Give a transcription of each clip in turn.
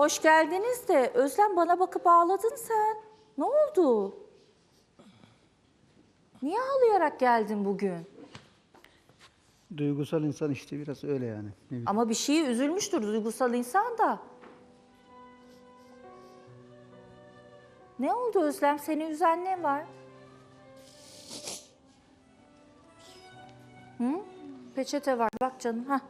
Hoş geldiniz de Özlem bana bakıp ağladın sen. Ne oldu? Niye ağlayarak geldin bugün? Duygusal insan işte biraz öyle yani. Ne bileyim. Ama bir şeye üzülmüştür duygusal insan da. Ne oldu Özlem? Seni üzen ne var? Hı? Peçete var bak canım. Hah.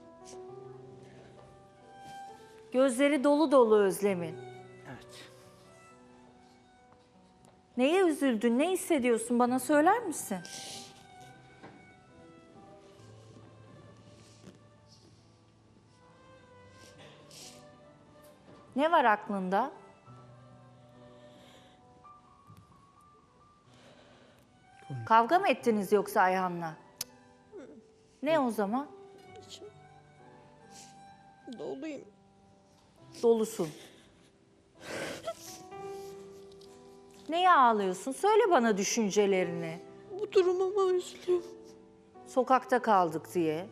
Gözleri dolu dolu Özlem'in. Evet. Neye üzüldün? Ne hissediyorsun? Bana söyler misin? Ne var aklında? Kavga mı ettiniz yoksa Ayhan'la? Ne o zaman? İçim doluyum. Dolusun. Neye ağlıyorsun? Söyle bana düşüncelerini. Bu durumuma üzülüyorum. Sokakta kaldık diye.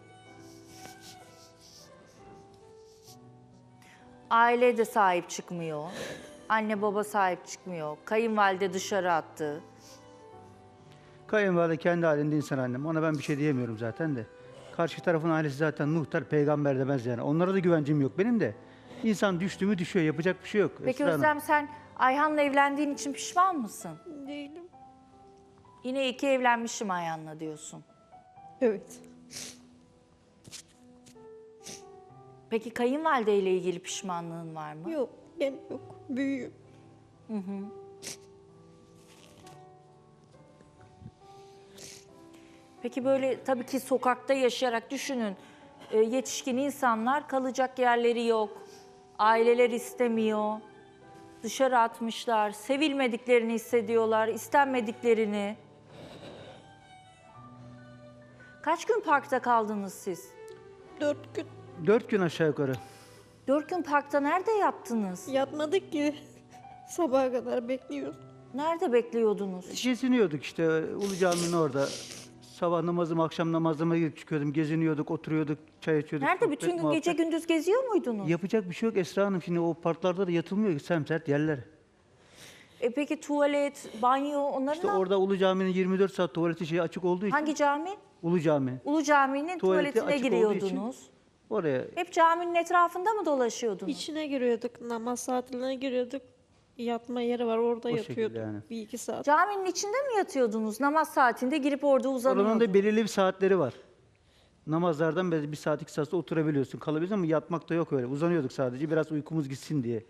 Aile de sahip çıkmıyor. Anne baba sahip çıkmıyor. Kayınvalide dışarı attı. Kayınvalide kendi halinde insan annem. Ona ben bir şey diyemiyorum zaten de. Karşı tarafın ailesi zaten muhtar, peygamber demez yani. Onlara da güvencim yok benim de. İnsan düştü mü düşüyor, yapacak bir şey yok. Peki Esra Hanım. Özlem sen Ayhan'la evlendiğin için pişman mısın? Değilim. Yine iki evlenmişim Ayhan'la diyorsun. Evet. Peki kayınvalideyle ilgili pişmanlığın var mı? Yok. Gene yok. Büyüğüm. Peki böyle tabii ki sokakta yaşayarak düşünün. Yetişkin insanlar kalacak yerleri yok. Aileler istemiyor. Dışarı atmışlar. Sevilmediklerini hissediyorlar. İstenmediklerini. Kaç gün parkta kaldınız siz? 4 gün 4 gün aşağı yukarı. 4 gün parkta nerede yattınız? yatmadık ki. Sabaha kadar bekliyoruz. Nerede bekliyordunuz? Geziniyorduk işte Ulu Cami'nin orada. Sabah namazım, akşam namazıma gidip çıkıyordum. Geziniyorduk, oturuyorduk, çay içiyorduk. Nerede? sohbet, Bütün gün muhabbet. gece gündüz geziyor muydunuz? Yapacak bir şey yok Esra Hanım. Şimdi o parklarda da yatılmıyor ki semsert yerler. Peki tuvalet, banyo onların İşte orada Ulu Cami'nin 24 saat tuvaleti şeyi açık olduğu için. hangi cami? Ulu Cami. Ulu Cami'nin Tuvaleti tuvaletine açık olduğu için- giriyordunuz. Oraya Hep caminin etrafında mı dolaşıyordunuz? İçine giriyorduk. Namaz saatlerine giriyorduk. Yatma yeri var. Orada O şekilde yatıyorduk. yani. 1-2 saat. Caminin içinde mi yatıyordunuz? Namaz saatinde girip orada uzanıyordunuz. Oranın da belirli bir saatleri var. Namazlardan böyle 1 saat 2 saat oturabiliyorsun. Kalabiliyorsun ama yatmak da yok öyle. Uzanıyorduk sadece biraz uykumuz gitsin diye.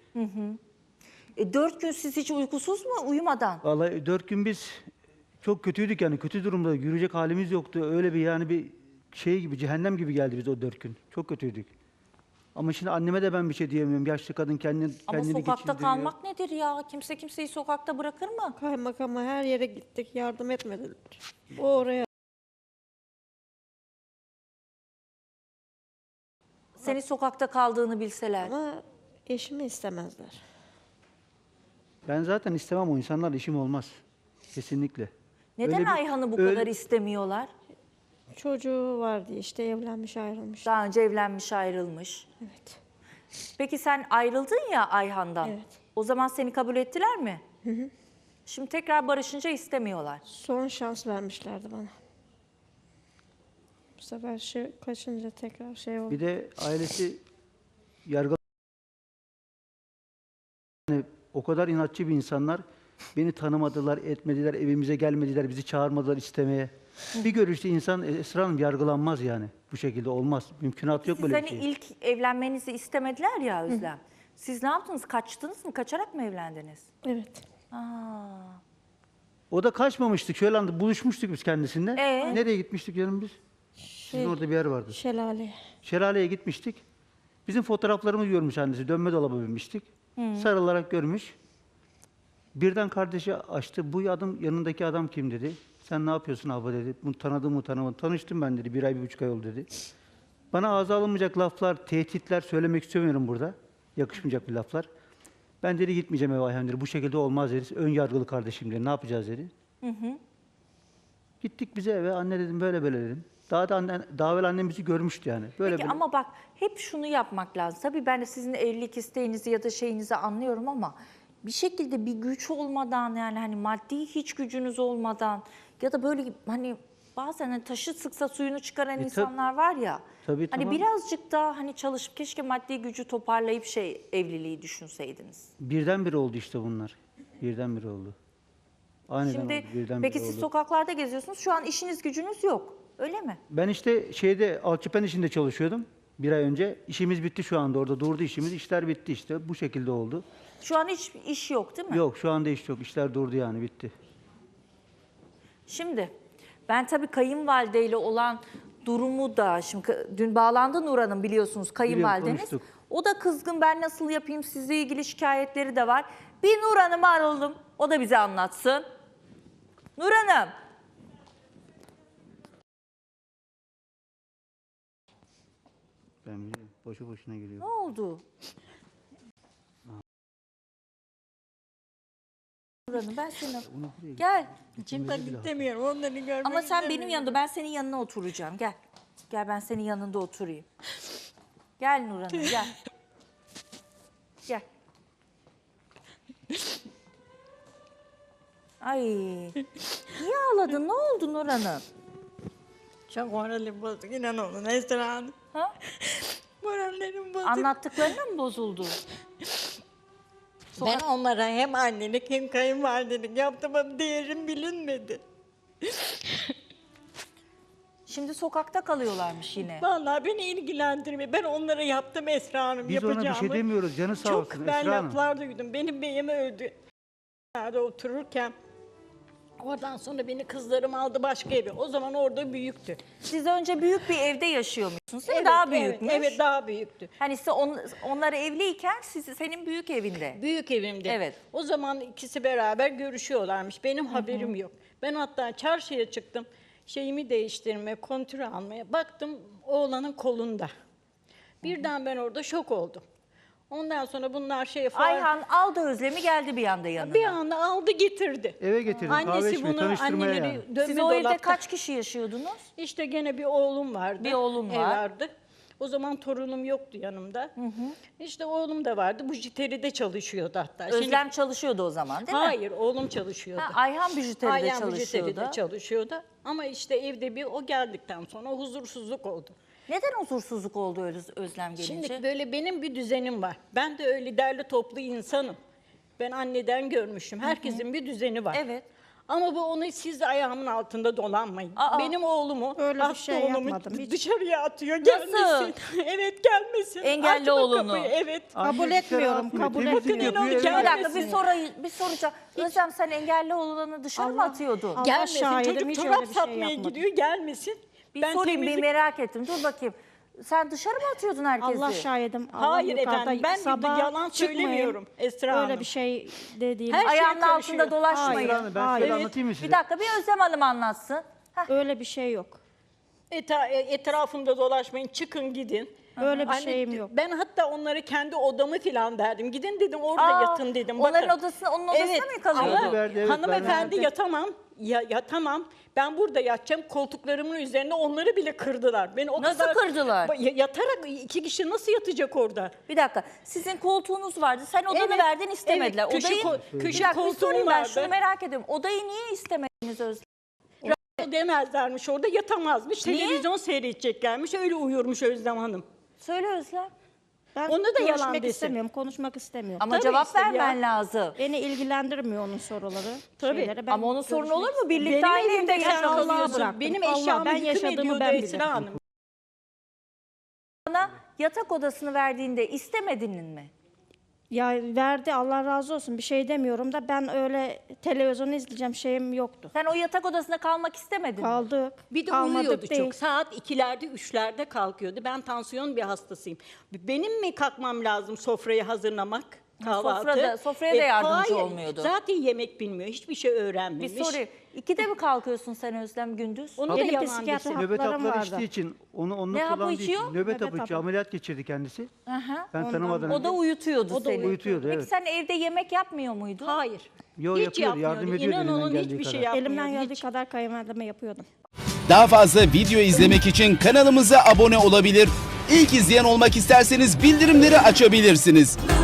4 gün siz hiç uykusuz mu uyumadan? Vallahi 4 gün biz çok kötüydük yani kötü durumda. Yürüyecek halimiz yoktu. Öyle bir yani bir şey gibi cehennem gibi geldi biz o 4 gün. Çok kötüydük. Ama şimdi anneme de ben bir şey diyemiyorum. Yaşlı kadın kendini Ama sokakta geçindiriyor. kalmak nedir ya? Kimse kimseyi sokakta bırakır mı? Kaymakama her yere gittik. Yardım etmediler. O oraya. Seni sokakta kaldığını bilseler. Ama eşimi istemezler. Ben zaten istemem o insanlarla işim olmaz. Kesinlikle. Neden Öyle bir- Ayhan'ı bu öyle- kadar istemiyorlar? Çocuğu var diye işte evlenmiş ayrılmış. Daha önce evlenmiş ayrılmış. Evet. Peki sen ayrıldın ya Ayhan'dan. Evet. O zaman seni kabul ettiler mi? Şimdi tekrar barışınca istemiyorlar. Son şans vermişlerdi bana. Bu sefer kaçınca tekrar şey oldu. Bir de ailesi yargı yani o kadar inatçı bir insanlar beni tanımadılar, etmediler, evimize gelmediler, bizi çağırmadılar istemeye. Bir görüşte insan Esra Hanım yargılanmaz yani. Bu şekilde olmaz. Mümkünatı yok Siz böyle hani bir şey. ilk evlenmenizi istemediler ya Özlem. Siz ne yaptınız? Kaçtınız mı? Kaçarak mı evlendiniz? Evet. Aa. O da kaçmamıştık. Şöyle anda buluşmuştuk biz kendisinde. Ee? Nereye gitmiştik canım biz? Sizin orada bir yer vardı. Şelale. Şelaleye gitmiştik. Bizim fotoğraflarımızı görmüş annesi. Dönme dolaba binmiştik. Sarılarak görmüş. Birden kardeşi açtı. Bu adam yanındaki adam kim dedi. Sen ne yapıyorsun abla dedi. Bunu tanıdın mı tanımadın. Tanıştım ben dedi. 1 ay 1,5 ay oldu dedi. Bana ağza alınmayacak laflar, tehditler söylemek istemiyorum burada. Yakışmayacak bir laflar. Ben dedi gitmeyeceğim eve Ayhan dedi. Bu şekilde olmaz dedi. Ön yargılı kardeşim dedi. Ne yapacağız dedi. Gittik bize eve. Anne dedim böyle böyle dedim. Daha evvel annemizi görmüştü yani. Böyle Peki böyle. ama bak hep şunu yapmak lazım. Tabii ben de sizin evlilik isteğinizi ya da şeyinizi anlıyorum ama bir şekilde bir güç olmadan yani hani maddi hiç gücünüz olmadan ya da böyle hani bazen hani taşı sıksa suyunu çıkaran insanlar var ya. Tabii, hani tamam. birazcık daha hani çalışıp keşke maddi gücü toparlayıp evliliği düşünseydiniz. Birdenbire oldu işte bunlar. Birdenbire oldu. Aniden Şimdi oldu, birdenbire peki siz oldu. sokaklarda geziyorsunuz. Şu an işiniz gücünüz yok. Öyle mi? Ben işte alçıpen işinde çalışıyordum 1 ay önce. İşimiz bitti şu anda, orada durdu işimiz. İşler bitti işte. Bu şekilde oldu. Şu an hiç iş yok değil mi? Yok, şu anda iş yok. İşler durdu yani, bitti. Şimdi ben tabii kayınvalideyle olan durumu da şimdi dün bağlandı Nur Hanım biliyorsunuz kayınvalideniz. konuştuk. O da kızgın, ben nasıl yapayım, sizle ilgili şikayetleri de var. Bir Nur Hanım'ı aralım, o da bize anlatsın. Nur Hanım. Ben biliyorum. Boşu boşuna geliyor. Ne oldu? Nur Hanım ben seni... Gel. Şimdi ben istemiyorum onları görmek Ama sen benim istemiyorum. yanımda, ben senin yanına oturacağım. Gel. Gel ben senin yanında oturayım. Gel Nur Hanım gel. Gel. Ay. Niye ağladın? Ne oldu Nur Hanım? Çok moralim bozuk inan olun Esra Hanım. Ha? Morallerim bozuk. Anlattıklarına mı bozuldu? Ben onlara hem annelik hem kayınvalidelik yaptım ama değerim bilinmedi. Şimdi sokakta kalıyorlarmış yine. Vallahi beni ilgilendirmiyor. Ben onlara yaptım Esra Hanım Biz yapacağımı. ona bir şey demiyoruz. Canı sağ Çok olsun ben Esra Hanım. laflar duydum. Benim beyim öldü. Nerede otururken oradan sonra beni kızlarım aldı başka eve. O zaman orada büyüktü. Siz önce büyük bir evde yaşıyormuşsunuz değil mi? Daha büyükmüş. Evet daha büyüktü. Hani size onlar evliyken senin büyük evinde. Büyük evimde. Evet. O zaman ikisi beraber görüşüyorlarmış. Benim haberim yok. Ben hatta çarşıya çıktım. Şeyimi değiştirmeye, kontürü almaya. Baktım oğlanın kolunda. Birden ben orada şok oldum. Ondan sonra bunlar Ayhan aldı Özlem'i geldi bir anda yanına. bir anda aldı getirdi. Eve getirdim, kahve Annesi içmeye, bunu tanıştırmaya anneleri yani. dönme Siz o evde dolapta. kaç kişi yaşıyordunuz? İşte gene bir oğlum vardı. Bir oğlun ev var. vardı. O zaman torunum yoktu yanımda. İşte oğlum da vardı. Bu jiteride çalışıyordu hatta. Özlem çalışıyordu o zaman değil mi? Hayır, oğlum çalışıyordu. Ha, Ayhan Bijüteri'de Ayhan çalışıyordu. Bijüteri'de çalışıyordu. Ama işte evde bir o geldikten sonra huzursuzluk oldu. Neden huzursuzluk oldu Özlem gelince? Şimdi böyle benim bir düzenim var. Ben de öyle derli toplu insanım. Ben anneden görmüşüm. Herkesin bir düzeni var. Evet. Ama bu onu siz ayağımın altında dolanmayın. Aa. Benim oğlumu, Öyle bir hasta şey oğlumu yapmadım hiç. dışarıya atıyor. Nasıl? Gelmesin. Evet gelmesin. Engelli Açma oğlunu. kapıyı, evet. Kabul Anne dışarı etmiyorum, atmıyor, kabul temizlik etmiyorum. yapıyor, Bir eve Bir dakika gelmesin. bir soracağım. Özlem sen engelli oğlanı dışarı mı atıyordun? Allah Gelmesin. şahidim, Çocuk hiç çorap öyle bir şey satmaya yapmadım. gidiyor. Gelmesin. Bir Ben sorayım temizlik- bir merak ettim. Dur bakayım. Sen dışarı mı atıyordun herkesi? Allah şahidim. Allah Hayır yukarıda, efendim, ben bir sabah yalan çıkmayın. söylemiyorum Esra Hanım. Öyle bir şey de değil. Her şeye Ayağının karışıyor. altında dolaşmayın. Hayır. Esra Hanım, ben Hayır. şöyle anlatayım mı size? Bir dakika bir Özlem Hanım anlatsın. Heh. Öyle bir şey yok. Etrafımda dolaşmayın, çıkın gidin. Öyle bir Anne, şeyim yok. Ben hatta onlara kendi odamı falan verdim. Gidin dedim orada Aa, yatın dedim. onların Bakın. odasına- onun odasına mı kalıyordu? Ama Verdi, evet, hanımefendi verdi. yatamam. Yatamam. Ben burada yatacağım. Koltuklarımın üzerinde onları bile kırdılar. Beni o Nasıl kadar kırdılar? Yatarak iki kişi nasıl yatacak orada? Bir dakika. Sizin koltuğunuz vardı. Sen odanı Evet, verdin istemediler. evet, köşe Odayı ko- köşe bir dakika, bir koltuğum sorayım ben vardı. şunu merak ediyorum. Odayı niye istemediniz Özlem? Demezlermiş orada yatamazmış. Niye? Televizyon seyredeceklermiş. Öyle uyuyormuş Özlem Hanım. Söyle Özlem. Ben Onu da yalan görüşmek desin. istemiyorum, konuşmak istemiyorum. Ama Tabii cevap işte ya. vermen lazım. Beni ilgilendirmiyor onun soruları. Tabii. şeyleri. Ben Ama onun sorunu görüşmek olur mu? Birlikte Benim aynı evimde evde sen Allah'a yaşıyorsunuz. bıraktım. Benim Allah, eşyamı ben yıkım yaşadığımı ediyordu ben Esra bilirim. Hanım. Bana yatak odasını verdiğinde istemedin mi? Ya verdi, Allah razı olsun, bir şey demiyorum da ben öyle televizyonu izleyeceğim şeyim yoktu. Sen o yatak odasında kalmak istemedin mi? Kaldık. Bir de kalmadık uyuyordu değil. çok. Saat 2'lerde 3'lerde kalkıyordu. Ben tansiyon bir hastasıyım. Benim mi kalkmam lazım sofrayı hazırlamak? Kahvaltı. Sofraya da yardımcı hayır. olmuyordu. Zaten yemek bilmiyor. Hiçbir şey Bir öğrenmemiş. sorayım. 2'de mi kalkıyorsun sen Özlem gündüz? Onu da Benim yalan psikiyatri desin. Nöbet haplarım hapları vardı. içtiği için onu Ne hapı kullandığı için içiyor? nöbet Nöbet hapı içiyor. hapı. Ameliyat geçirdi kendisi. Aha. Ben tanımadan O da önce. uyutuyordu O da seni. uyutuyordu, Peki evet. sen evde yemek yapmıyor muydun? Hayır. Yo, Hiç yapıyordu, yardım yapmıyordu. ediyordu İnan elinden onun geldiği hiçbir şey kadar. yapmıyordu. Elimden geldiği hiç. kadar kayınvalideme yapıyordum. Daha fazla video izlemek için kanalımıza abone olabilir. İlk izleyen olmak isterseniz bildirimleri açabilirsiniz.